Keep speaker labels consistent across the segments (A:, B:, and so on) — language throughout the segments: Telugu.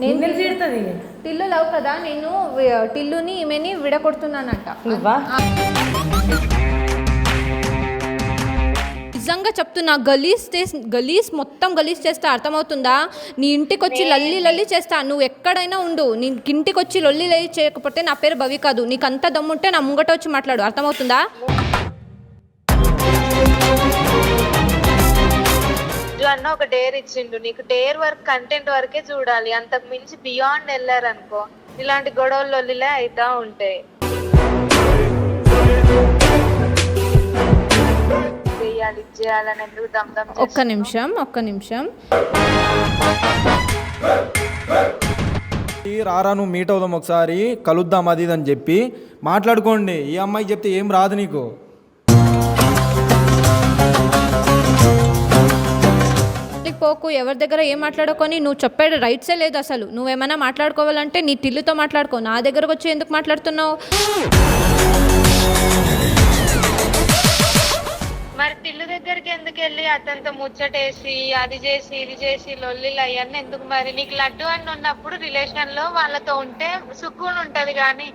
A: టిల్లు లవ్ కదా, నేను టిల్లుని ఈమెని విడగొడుతున్నానంట. నిజంగా చెప్తున్నా, గలీజ్ మొత్తం గలీజ్ చేస్తా, అర్థమవుతుందా? నీ ఇంటికి వచ్చి లల్లి చేస్తా. నువ్వు ఎక్కడైనా ఉండు, నీ ఇంటికి వచ్చి లొల్లి చేయకపోతే నా పేరు భవి కాదు. నీకు అంత దమ్ముంటే నా ముంగట వచ్చి మాట్లాడు, అర్థమవుతుందా?
B: అన్న ఒక డేర్ ఇచ్చిండు, నీకు డేర్ వర్క్ కంటెంట్ వరకే చూడాలి, అంతకు మించి బియాండ్ వెళ్ళారనుకో ఇలాంటి గొడవలు లొల్లిలే అవుతా ఉంటాయి. చేయాలని ఎందుకు దమ్దం.
A: ఒక్క నిమిషం
C: రారా, నువ్వు మీట్ అవుదాం, ఒకసారి కలుద్దాం, అది అని చెప్పి మాట్లాడుకోండి. ఈ అమ్మాయి చెప్తే ఏం రాదు నీకు.
A: పోకు, ఎవరి దగ్గర ఏం మాట్లాడుకొని, నువ్వు చెప్పేది రైట్సే లేదు అసలు. నువ్వేమైనా మాట్లాడుకోవాలంటే నీ టిల్లుతో మాట్లాడుకో, నా దగ్గరకు వచ్చి ఎందుకు మాట్లాడుతున్నావు?
B: మరి టిల్లు దగ్గరికి ఎందుకు వెళ్ళి అతనితో ముచ్చటేసి అది చేసి ఇది చేసి లొల్లిలు అవన్నీ ఎందుకు? మరి నీకు లడ్డు అని ఉన్నప్పుడు రిలేషన్ లో వాళ్ళతో ఉంటే సుక్కుని ఉంటది. కానీ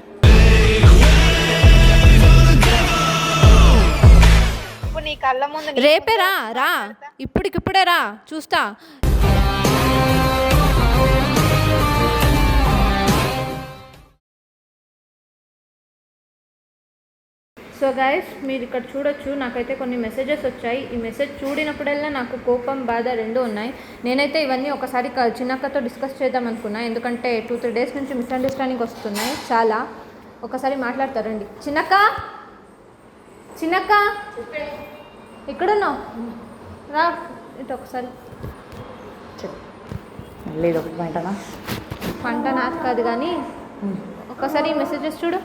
B: నీ కళ్ళ ముందు
A: రేపే రా ఇప్పుడికిప్పుడే రా, చూస్తా. సో గైస్, మీరు ఇక్కడ చూడొచ్చు, నాకైతే కొన్ని మెసేజెస్ వచ్చాయి. ఈ మెసేజ్ చూడినప్పుడల్లా నాకు కోపం, బాధ రెండు ఉన్నాయి. నేనైతే ఇవన్నీ ఒకసారి చిన్నక్కతో డిస్కస్ చేద్దాం అనుకున్నా, ఎందుకంటే 2-3 డేస్ నుంచి మిస్అండర్స్టాండింగ్ వస్తున్నాయి చాలా. ఒకసారి మాట్లాడతారండి. చిన్నక్క ఎక్కడున్నావు? రా ఇటు ఒకసారి.
D: లేదు
A: పంట నాకు కాదు కానీ ఒకసారి మెసేజెస్ చూడు.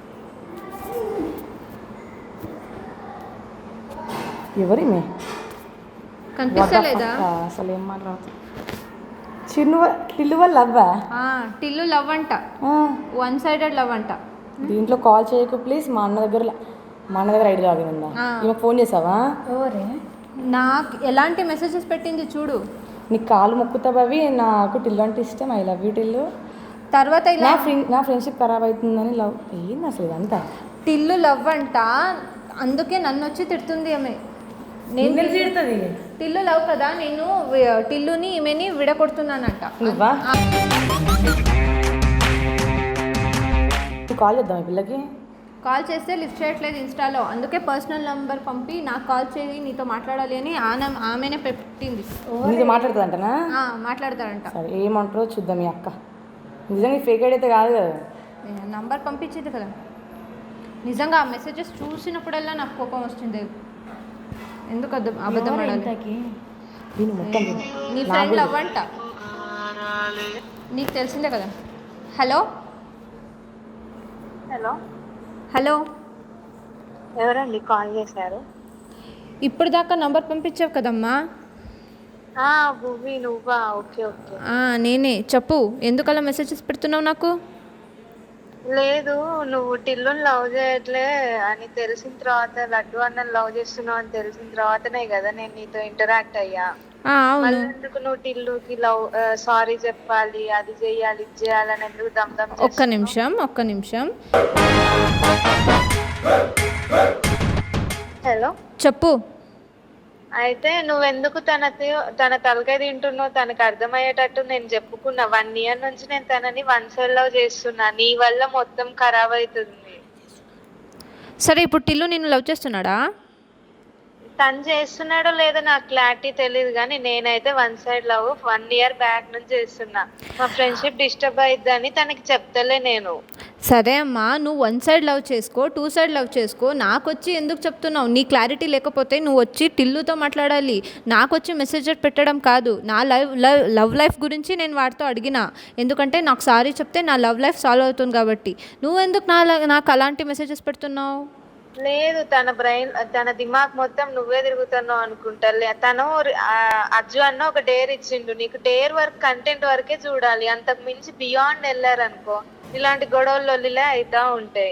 D: ఎవరి
A: కనిపిస్తలేదా?
D: అసలు ఏం మాట్లాడుతుంది? టిల్లు లవ్వా?
A: టిల్లు లవ్ అంట, 1-sided లవ్ అంట.
D: దీంట్లో కాల్ చేయకు ప్లీజ్. మా అన్న దగ్గర ఐడి లాగిన్ ఉందా? ఈమె ఫోన్ చేసావా?
A: నాకు ఎలాంటి మెసేజెస్ పెట్టింది చూడు.
D: నీకు కాలు మొక్కుతా భవి, నాకు టిల్లు అంటే ఇష్టం, ఐ లవ్ యూ టిల్లు.
A: తర్వాత
D: నా ఫ్రెండ్షిప్ ఖరాబ్ అవుతుందని లవ్. ఏంది అసలు ఇదంతా?
A: టిల్లు లవ్ అంట, అందుకే నన్ను వచ్చి తిడుతుంది ఆమె. టిల్లు లవ్ కదా, నేను టిల్లుని ఈమెని విడగొడుతున్నానంట.
D: కాల్ చేద్దాం ఈ పిల్లకి.
A: కాల్ చేస్తే లిఫ్ట్ చేయట్లేదు ఇన్స్టాలో, అందుకే పర్సనల్ నెంబర్ పంపి నాకు కాల్ చేయి, నీతో మాట్లాడాలి అని ఆమెనే పెట్టింది.
D: నీతో మాట్లాడుతుందంటనా?
A: మాట్లాడతాడంట.
D: సరే, ఏమంటారో చూద్దాం. మీ అక్క నిజంగా ఫేక్ ఐడి అయితే కాదు కదా?
A: నంబర్ పంపించింది కదా. నిజంగా ఆ మెసేజెస్ చూసినప్పుడల్లా నాకు కోపం వస్తుంది. ఎందుకు అబద్ధం ఆడాలి? నీ ఫ్రెండ్ లవ్ అంట, నీకు తెలిసిందే కదా. హలో
B: ఎవరండి కాల్ చేశారు?
A: ఇప్పుడు దాకా నంబర్ పంపించావు కదమ్మా.
B: భూమి నువ్వా? ఓకే.
A: నేనే. చెప్పు, ఎందుకు అలా మెసేజెస్ పెడుతున్నావు నాకు?
B: లేదు, నువ్వు టిల్లుని లవ్ చేయట్లే అని తెలిసిన తర్వాత, లడ్డు అన్నని లవ్ చేస్తున్నావు అని తెలిసిన తర్వాతనే కదా నేను నీతో ఇంటరాక్ట్ అయ్యా. మళ్ళీ ఎందుకు నువ్వు టిల్లుకి లవ్ సారీ చెప్పాలి, అది చెయ్యాలి, ఇది చేయాలని ఎందుకు దమ్దం?
A: ఒక్క నిమిషం.
B: హలో,
A: చెప్పు.
B: అయితే నువ్వెందుకు తన తలకాయ తింటున్నావు? తనకు అర్థమయ్యేటట్టు నేను చెప్పుకున్నా. 1 year నుంచి నేను తనని 1-side లవ్ చేస్తున్నా. నీ వల్ల మొత్తం ఖరాబ్ అవుతుంది.
A: సరే, ఇప్పుడు టిల్లు నిన్ను లవ్ చేస్తున్నాడా?
B: తను చేస్తున్నాడో లేదో నాకు క్లారిటీ తెలియదు, కానీ నేనైతే 1-side లవ్ 1 year బ్యాక్ నుంచి చేస్తున్నా. మా ఫ్రెండ్షిప్ డిస్టర్బ్ అయిద్దని తనకి చెప్తలే నేను.
A: సరే అమ్మా, నువ్వు 1-side లవ్ చేసుకో, 2-side లవ్ చేసుకో, నాకు వచ్చి ఎందుకు చెప్తున్నావు? నీ క్లారిటీ లేకపోతే నువ్వు వచ్చి టిల్లుతో మాట్లాడాలి, నాకు వచ్చి మెసేజెస్ పెట్టడం కాదు. నా లవ్ లైఫ్ గురించి నేను వాడితో అడిగినా, ఎందుకంటే నాకు సారీ చెప్తే నా లవ్ లైఫ్ సాల్వ్ అవుతుంది కాబట్టి. నువ్వెందుకు నాకు అలాంటి మెసేజెస్ పెడుతున్నావు?
B: లేదు, తన దిమాగ్ మొత్తం నువ్వే తిరుగుతున్నావు అనుకుంటా. తను అజ్జు అన్న ఒక డేర్ ఇచ్చిండు, నీకు డేర్ వర్క్ కంటెంట్ వరకే చూడాలి, అంతకు మించి బియాండ్ వెళ్ళారనుకో ఇలాంటి గొడవలు లొల్లిలే అవుతా ఉంటాయి.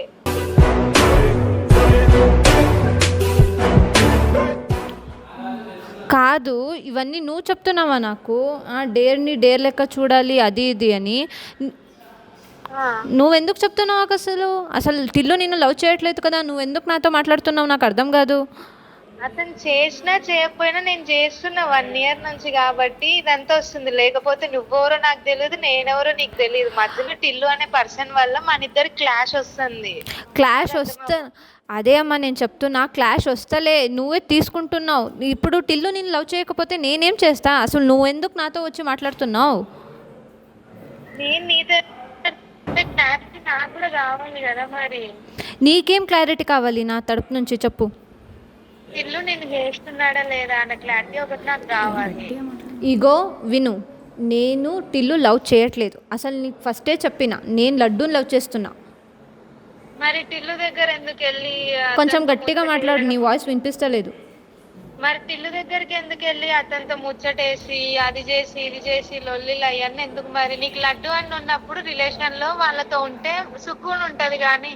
A: కాదు, ఇవన్నీ నువ్వు చెప్తున్నావా నాకు? డేర్ని డేర్ లెక్క చూడాలి అది ఇది అని. నువ్వెందుకు చెప్తున్నావు నాకు? అసలు టిల్లు నిన్ను లవ్ చేయట్లేదు కదా, నువ్వెందుకు నాతో మాట్లాడుతున్నావు? నాకు అర్థం కాదు.
B: అతను చేసినా చేయకపోయినా నేను చేస్తున్నా 1 year నుంచి కాబట్టి ఇదంతా వస్తుంది. లేకపోతే నువ్వెవరో నాకు తెలియదు, నేనెవరో నీకు తెలియదు. మధ్యలో టిల్లు అనే పర్సన్ వల్ల మన ఇద్దరు క్లాష్ వస్తుంది.
A: క్లాష్ వస్తా అదే అమ్మా నేను చెప్తున్నా, క్లాష్ వస్తలే, నువ్వే తీసుకుంటున్నావు. ఇప్పుడు టిల్లు నేను లవ్ చేయకపోతే నేనేం చేస్తా? అసలు నువ్వెందుకు నాతో వచ్చి మాట్లాడుతున్నావు?
B: నేను నీతో క్లారిటీ నాకు కూడా కావాలి కదా మరి.
A: నీకేం క్లారిటీ కావాలి నా తరపు నుంచి చెప్పు.
B: టిల్లు నేను చేస్తున్నాడా లేదా అన్న క్లారిటీ ఒకటి నాకు కావాలి.
A: ఇగో విను, నేను టిల్లు లవ్ చేయట్లేదు. అసలు నీకు ఫస్టే చెప్పిన, నేను లడ్డూని లవ్ చేస్తున్నా.
B: మరి టిల్లు దగ్గర ఎందుకు వెళ్ళి
A: కొంచెం గట్టిగా మాట్లాడు, నీ వాయిస్ వినిపిస్తలేదు.
B: మరి టిల్లు దగ్గరికి ఎందుకు వెళ్ళి అతనితో ముచ్చటేసి అది చేసి ఇది చేసి లొల్లిలు అవన్నీ ఎందుకు? మరి నీకు లడ్డు అని ఉన్నప్పుడు రిలేషన్ లో వాళ్ళతో ఉంటే సుకూన్ ఉంటది. కానీ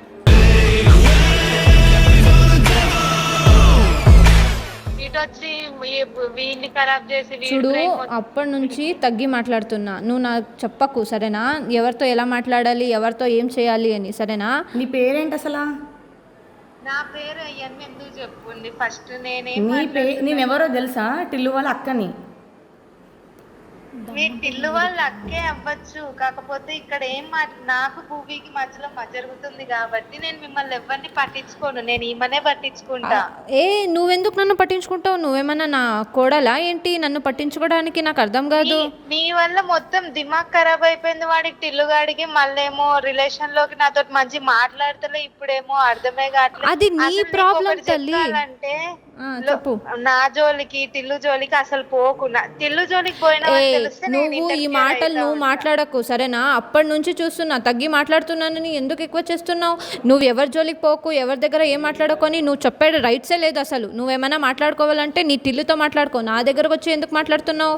B: ఇటొచ్చి వీడిని ఖరాబ్ చేసి
A: చూడు, అప్పటి నుంచి తగ్గి మాట్లాడుతున్నా. నువ్వు నాకు చెప్పకు సరేనా, ఎవరితో ఎలా మాట్లాడాలి, ఎవరితో ఏం చేయాలి అని, సరేనా?
D: నీ పేరేంటి అసలు?
B: నా పేరు అవన్నీ ఎందుకు చెప్పుంది ఫస్ట్.
D: నేనెవరో తెలుసా? టిల్లు వాళ్ళ అక్కని.
B: మీ టిల్లు వాళ్ళ అక్కే అవ్వచ్చు, కాకపోతే ఇక్కడ ఏం నాకు భూమికి మధ్యలో జరుగుతుంది కాబట్టి నేను మిమ్మల్ని ఎవరిని పట్టించుకోను. నేను ఈమెనే పట్టించుకుంటా.
A: నువ్వెందుకు నన్ను పట్టించుకుంటావు? నువ్వేమన్నా నా కోడలా ఏంటి నన్ను పట్టించుకోవడానికి? నాకు అర్థం కాదు.
B: నీ వల్ల మొత్తం దిమాగ్ ఖరాబ్ అయిపోయింది వాడికి, టిల్లుగాడికి. మళ్ళేమో రిలేషన్ లోకి నాతో మంచి మాట్లాడతలే, ఇప్పుడేమో అర్థమే కావట్లేదు.
A: అది నీ ప్రాబ్లం తల్లి.
B: అంటే నా జోలికి టిల్లు జోలికి అసలు పోకు. టిల్లు జోలికి పోయినా
A: నువ్వు ఈ మాటలు నువ్వు మాట్లాడకు సరేనా? అప్పటి నుంచి చూస్తున్నా తగ్గి మాట్లాడుతున్నానని. ఎందుకు ఎక్కువ చేస్తున్నావు? నువ్వు ఎవరి జోలికి పోకు, ఎవరి దగ్గర ఏం మాట్లాడుకొని. నువ్వు చెప్పేది రైట్సే లేదు అసలు. నువ్వేమైనా మాట్లాడుకోవాలంటే నీ టిల్లుతో మాట్లాడుకో, నా దగ్గరకు వచ్చి ఎందుకు మాట్లాడుతున్నావు?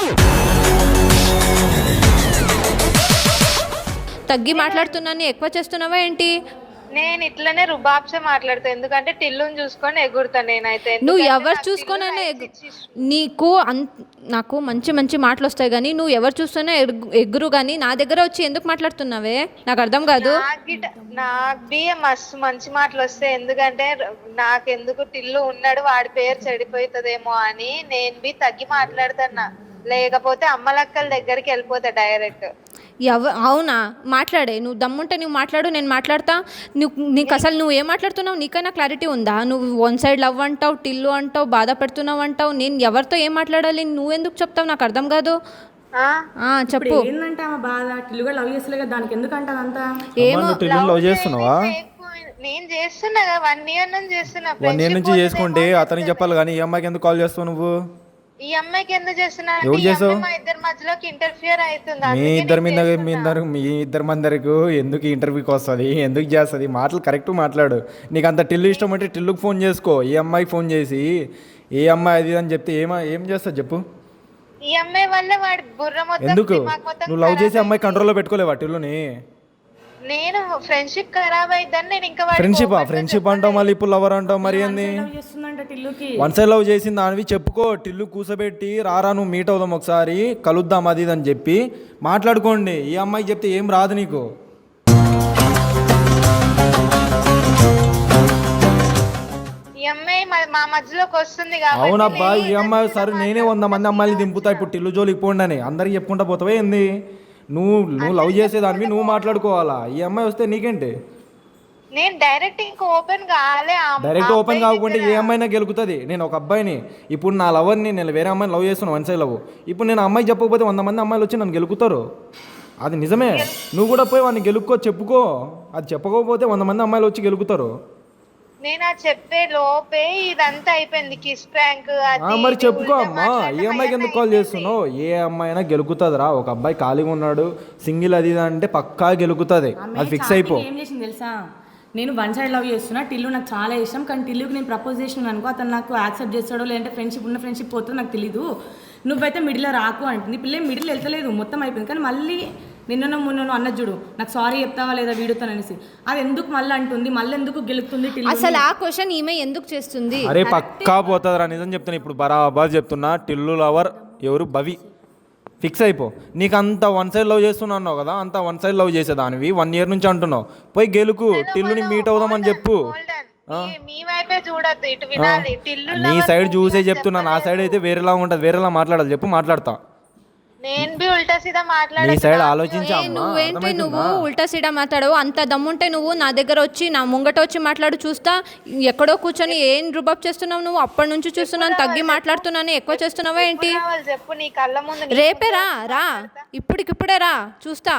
A: తగ్గి మాట్లాడుతున్నాను, ఎక్కువ చేస్తున్నావా ఏంటి?
B: నేను ఇట్లనే రుబాబ్సే మాట్లాడతా, ఎందుకంటే టిల్లుని చూసుకొని ఎగురుతా నేనైతే.
A: నువ్వు ఎవరు చూసుకొనైనా నీకు నాకు మంచి మంచి మాటలు వస్తాయి కానీ నువ్వు ఎవరు చూస్తున్నా ఎగురు. కానీ నా దగ్గర వచ్చి ఎందుకు మాట్లాడుతున్నావే? నాకు అర్థం కాదు.
B: నాకు మస్తు మంచి మాటలు వస్తాయి, ఎందుకంటే నాకెందుకు టిల్లు ఉన్నాడు, వాడి పేరు చెడిపోతుందేమో అని నేను తగ్గి మాట్లాడుతున్నా. లేకపోతే అమ్మలక్కల దగ్గరికి వెళ్ళిపోతా డైరెక్ట్.
A: అవునా? మాట్లాడే, నువ్వు దమ్ముంటే నువ్వు మాట్లాడు, నేను మాట్లాడతా. నీకు అసలు నువ్వు ఏం మాట్లాడుతున్నావు నీకైనా క్లారిటీ ఉందా? నువ్వు 1 side లవ్ అంటావు, టిల్లు అంటావు, బాధ పెడుతున్నావు అంటావు. నేను ఎవరితో ఏం మాట్లాడాలి? నువ్వెందుకు చెప్తావు? నాకు అర్థం కాదు. చెప్పు.
D: ఏంటంటే ఆమె బాధ, టిల్లుగా లవ్ చేస్తలే, దానికి ఎందుకంటే అదంతా
A: ఏమో.
C: లవ్ చేస్తున్నావా?
B: నేను చేస్తున్నా 1 year నుంచి చేస్తున్నా.
C: 1 year నుంచి చేసుకుంటే అతనికి చెప్పాలి కానీ ఈ అమ్మాయికి ఎందుకు కాల్ చేస్తావు నువ్వు?
B: ఈ అమ్మాయికి ఎందుకు చేస్తున్నా? మా ఇద్దరి మధ్యలోకి ఇంటర్ఫియర్ అవుతుంది.
C: మీ ఇద్దరి మందరికి ఎందుకు ఇంటర్వ్యూకి వస్తుంది, ఎందుకు చేస్తుంది? మాటలు కరెక్ట్ మాట్లాడు. నీకు అంత టిల్లు ఇష్టం అంటే టిల్లుకి ఫోన్ చేసుకో. ఈ అమ్మాయికి ఫోన్ చేసి ఏ అమ్మాయి అది అని చెప్తే ఏం చేస్తావు చెప్పు?
B: ఈ అమ్మాయి వల్ల వాడి బుర్ర మొత్తం.
C: ఎందుకు నువ్వు లవ్ చేసి అమ్మాయి కంట్రోల్లో పెట్టుకోలేవా టిల్లుని?
B: నేను ఫ్రెండ్షిప్ ఖరాబ్ అయిద్దని నేను ఇంకా
C: ఫ్రెండ్షిప్ అంటావు, మళ్ళీ ఇప్పుడు లవర్ అంటావు. మరి ఏంది? 1 side లవ్ చేసింది దానివి చెప్పుకో. టిల్లు కూసబెట్టి రారా నువ్వు మీట్ అవుదాం ఒకసారి, కలుద్దాం అది అని చెప్పి మాట్లాడుకోండి. ఈ అమ్మాయికి చెప్తే ఏం రాదు నీకు.
B: ఈ అమ్మాయి మా మధ్యలోకి వస్తుంది.
C: అవునబ్బా, ఈ అమ్మాయి సరే నేనే 100 మంది అమ్మాయిని దింపుతా ఇప్పుడు టిల్లు జోలికి పోండి అని అందరికి చెప్పుకుంటా పోతావే ఏంది? నువ్వు లవ్ చేసేదానివి నువ్వు మాట్లాడుకోవాలా? ఈ అమ్మాయి వస్తే నీకేంటి?
B: నేను డైరెక్ట్ ఇంకా ఓపెన్
C: కాకుండా ఏ అమ్మాయినా గెలుకుతుంది. నేను ఒక అబ్బాయిని, ఇప్పుడు నా లవర్ని నేను వేరే అమ్మాయిని లవ్ చేస్తున్నాను 1 side లవ్. ఇప్పుడు నేను అమ్మాయి చెప్పకపోతే 100 మంది అమ్మాయిలు వచ్చి నన్ను గెలుకుతారు. అది నిజమే. నువ్వు కూడా పోయి వాడిని గెలుక్కో, చెప్పుకో. అది చెప్పకపోతే 100 మంది అమ్మాయిలు వచ్చి గెలుకుతారు.
B: నేను చెప్పే లోపే ఇదంతా అయిపోయింది. కిస్ ప్రాంక్
C: మరి చెప్పుకో అమ్మా. ఏ అమ్మాయికి ఎందుకు కాల్ చేస్తున్నావు? ఏ అమ్మాయి అయినా గెలుకుతుందిరా. ఒక అబ్బాయి ఖాళీగా ఉన్నాడు, సింగిల్ అది అంటే పక్కా గెలుకుతుంది. అది ఫిక్స్ అయిపో.
D: ఏం చేసింది తెలుసా? నేను 1 side లవ్ చేస్తున్నా, టిల్లు నాకు చాలా ఇష్టం, కానీ టిల్లుకి నేను ప్రపోజ్ చేసినాను అనుకో, అతను నాకు యాక్సెప్ట్ చేస్తాడో లేదంటే ఫ్రెండ్షిప్ పోతుందో నాకు తెలీదు. నువ్వైతే మిడిల్లో రాకు అంటుంది. పిల్ల మిడిల్ వెళ్తలేదు, మొత్తం అయిపోయింది. కానీ మళ్ళీ నిన్న మొన్న అన్నది చూడు నాకు సారీ చెప్తావా లేదా వీడియోతో అనేసి, అది ఎందుకు మళ్ళీ అంటుంది, మళ్ళీ ఎందుకు గెలుస్తుంది టిల్లు?
A: అసలు ఆ క్వశ్చన్ ఈమె ఎందుకు చేస్తుంది?
C: అరే పక్కా పోతుందిరా, నిజం చెప్తున్నా. ఇప్పుడు బరాబర్ చెప్తున్నా, టిల్లు లవర్ ఎవరు? భవి. ఫిక్స్ అయిపో. నీకు అంత వన్ సైడ్ లవ్ చేస్తున్నా అన్నావు కదా, అంత వన్ సైడ్ లవ్ చేసేదానివి 1 year నుంచి అంటున్నావు. పోయి గెలుకు, టిల్లుని మీట్ అవుదామని చెప్పు.
B: మీ వైపే చూడద్దు, ఇటు వినాలి. టిల్లు
C: నీ సైడ్ చూసే చెప్తున్నా, నా సైడ్ అయితే వేరేలా ఉంటుంది, వేరేలా మాట్లాడాలి. చెప్పు, మాట్లాడతా.
B: నేను బి ఉల్టా సీదా
C: నీ సైడ్ ఆలోచించా.
A: నువ్వేంటి నువ్వు ఉల్టా సీడా మాట్లాడవు? అంత దమ్ముంటే నువ్వు నా దగ్గర వచ్చి నా ముంగట వచ్చి మాట్లాడు, చూస్తా. ఎక్కడో కూర్చొని ఏం రుబాబ్ చేస్తున్నావు నువ్వు? అప్పటి నుంచి చూస్తున్నాను, తగ్గి మాట్లాడుతున్నాను, ఎక్కువ చేస్తున్నావా ఏంటి?
B: చెప్పు, నీ కళ్ళ ముందు.
A: రేపే రా, ఇప్పటికిప్పుడే రా, చూస్తా.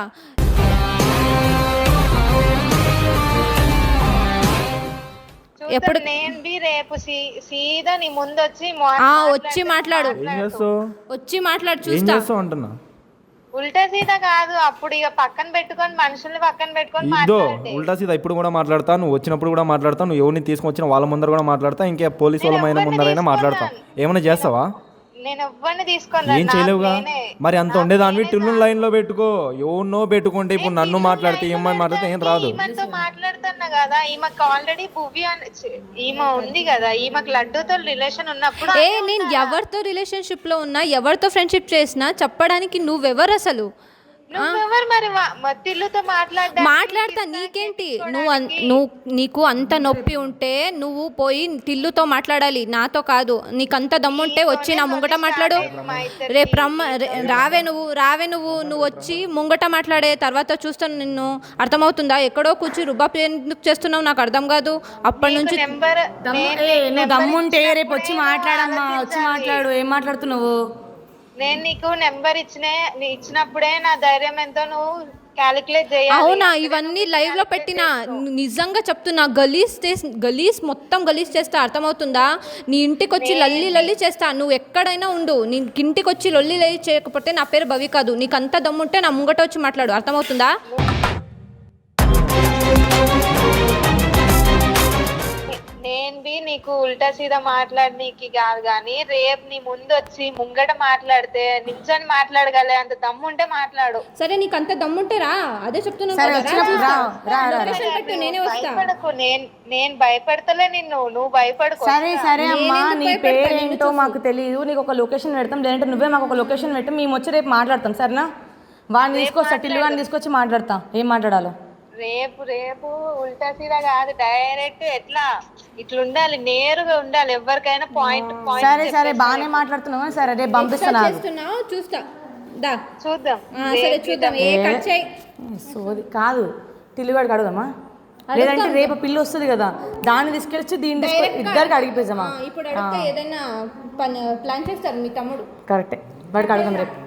B: ఎప్పుడు నేను బి రేపు సీదా నీ ముందు వచ్చి
A: వచ్చి మాట్లాడు, వచ్చి మాట్లాడు, చూస్తా.
C: అంటున్నా
B: ఉల్టా సీదా కాదు. అప్పుడు ఇక పక్కన పెట్టుకొని మనుషుల్ని పక్కన పెట్టుకొని
C: ఇదో ఉల్టా సీదా ఇప్పుడు కూడా మాట్లాడతా, నువ్వు వచ్చినప్పుడు కూడా మాట్లాడతా, నువ్వు ఎవరిని తీసుకొచ్చిన వాళ్ళ ముందర కూడా మాట్లాడతా, ఇంకా పోలీసు వాళ్ళ ముందరైనా మాట్లాడతా. ఏమైనా చేస్తావా?
B: నేను ఎవ్వరిని తీసుకొని
C: ఏం చేయలేవుగా మరి. అంత ఉండేదాన్ని టిల్లు లైన్ లో పెట్టుకో. ఎవరినో పెట్టుకుంటే ఇప్పుడు నన్ను మాట్లాడితే ఏమని మాట్లాడితే ఏం రాదు.
B: ఈమెతో మాట్లాడుతున్నా కదా, ఈమెకు ఆల్రెడీ భువి ఈమె ఉంది కదా, ఈమెకు లడ్డూతో రిలేషన్ ఉన్నప్పుడు.
A: నేను ఎవరితో రిలేషన్షిప్ లో ఉన్నా, ఎవరితో ఫ్రెండ్షిప్ చేసినా చెప్పడానికి నువ్వెవరు అసలు?
B: నువ్వెవరు మరి టిల్లుతో
A: మాట్లాడతా, నీకేంటి? నీకు అంత నొప్పి ఉంటే నువ్వు పోయి టిల్లుతో మాట్లాడాలి, నాతో కాదు. నీకంత దమ్ముంటే వచ్చి నా ముంగట మాట్లాడు. రేపు రావే నువ్వు వచ్చి ముంగట మాట్లాడే తర్వాత చూస్తాను నిన్ను. అర్థమవుతుందా? ఎక్కడో కూర్చి రుబాబ్ ఎందుకు చేస్తున్నావు నాకు అర్థం కాదు. అప్పటి నుంచి
D: దమ్ముంటే రేపు వచ్చి మాట్లాడమ్మా, వచ్చి మాట్లాడు. ఏం మాట్లాడుతున్నావు?
B: నేను నీకు నెంబర్ ఇచ్చినప్పుడే నా ధైర్యం ఎంతో నువ్వు క్యాలిక్యులేట్ చేయాలి.
A: అవునా? ఇవన్నీ లైవ్ లో పెట్టినా, నిజంగా చెప్తున్నా. గలీస్ మొత్తం గలీస్ చేస్తా, అర్థమవుతుందా? నీ ఇంటికి వచ్చి లల్లి చేస్తా. నువ్వు ఎక్కడైనా ఉండు, నీ ఇంటికి వచ్చి లొల్లి చేయకపోతే నా పేరు భవి కాదు. నీకు అంత దమ్ముంటే నా ముంగట వచ్చి మాట్లాడు, అర్థమవుతుందా?
B: నేను బి నీకు ఉల్టా సీదా మాట్లాడనీకి కాదు, కానీ రేపు నీ ముందు వచ్చి ముంగట మాట్లాడితే నిల్చొని మాట్లాడగలే అంత దమ్ము ఉంటే మాట్లాడు.
A: సరే, నీకు అంత దమ్ముంటే రా. అదే చెప్తున్నా. నేనే వస్తా.
B: భయపడకు, నేను భయపెడతలే నిన్ను, నువ్వు భయపడకు.
D: సరే అమ్మా, నీ పేరేంటో మాకు తెలియదు. నీకు ఒక లొకేషన్ పెడతాం, లేదంటే నువ్వే మాకు ఒక లొకేషన్ పెట్టాం, మేము వచ్చి రేపు మాట్లాడతాం. సరేనా? వాడిని తీసుకొస్తా, టిల్లు వాడిని తీసుకొచ్చి మాట్లాడతా. ఏం మాట్లాడాలో
B: రేపు ఉల్టా సీదా కాదు, డైరెక్ట్ ఎట్లా ఇట్లా ఉండాలి, నేరుగా ఉండాలి. ఎవరికైనా పాయింట్.
D: సరే బాగానే మాట్లాడుతున్నావు. సరే రేపు పంపిస్తాను,
A: చూస్తా.
B: చూద్దాం.
A: సరే చూద్దాం.
D: సోది కాదు, టిల్లుగాడికి అడుగుదామా? లేదంటే రేపు పిల్లి వస్తుంది కదా, దాన్ని తీసుకెళ్ళి దీన్ని ఇద్దరికి అడిగిపోయామా?
A: ఇప్పుడు అడిగితే ఏదైనా ప్లాన్ చేస్తారు మీ తమ్ముడు.
D: కరెక్టే, వాడికి అడుగుదాం రేపు.